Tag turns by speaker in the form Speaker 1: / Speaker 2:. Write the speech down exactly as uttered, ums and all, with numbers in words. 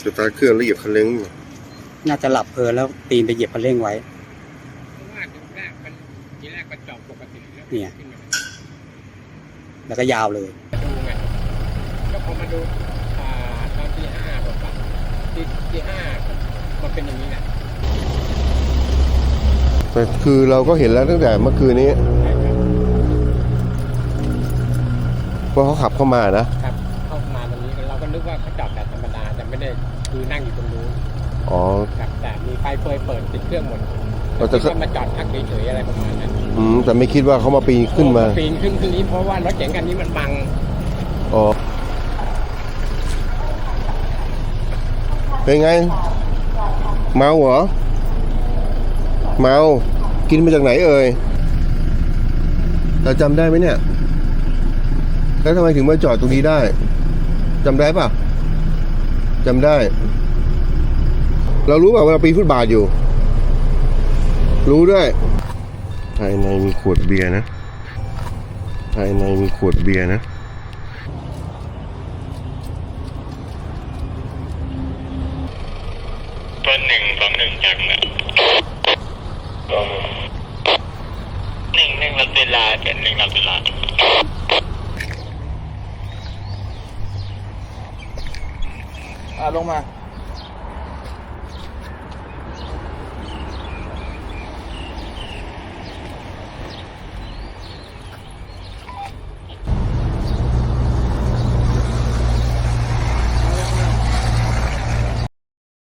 Speaker 1: สตาร์ทเครื่องแล้วเหยียบคันเร่ง
Speaker 2: น่าจะหลับเพลินแล้วปีนไปเหยียบคันเร่งไว้
Speaker 3: เพราะว่าทีแรกมันทีแรกมันจอดปกติแล้ว
Speaker 2: เนี่ย แล้วก็ยาวเลย
Speaker 3: ดูไงแล้วพอมาดูอ่าตอนที่ห้าบอกว่าที่ที่ห้ามันเป็นอย่างนี้แหละ
Speaker 1: แต่คือเราก็เห็นแล้วตั้งแต่เมื่อคืนนี้ว่าเขาขับเข้ามานะครับ
Speaker 3: เข้ามาตรงนี้เราก็นึกว่าเขาจอดแบบธรรมดาแต่ไม่ได้คือนั่งอยู่ตรงนู้น
Speaker 1: อ๋อ
Speaker 3: ครับแต่มีไฟเปิดเปิดติดเครื่องหมดเราจะมาจอดพักเฉยๆอะไรประมาณนั้น
Speaker 1: อืมแต่ไม่คิดว่าเขามาปีนขึ้นมา
Speaker 3: ปีนขึ้นขึ้นนี้เพราะว่ารถเก๋งคันนี้มันบัง
Speaker 1: อ๋อเป็นไงเมาเหรอเมากินมาจากไหนเอ่ยเราจำได้ไหมเนี่ยแล้วทำไมถึงมาจอดตรงนี้ได้จำได้ป่ะจำได้เรารู้ป่ะว่าเราปีนฟุตบาทอยู่รู้ด้วยภายในมีขวดเบียร์นะภายในมีขวดเบียร์นะ
Speaker 4: ตัวหนึ่งสองหนึ่งจากเนี่ยหนึ่งหนึ่งรับเวลาเป็นหนึ่งรับเวลา
Speaker 5: อ่าลงมา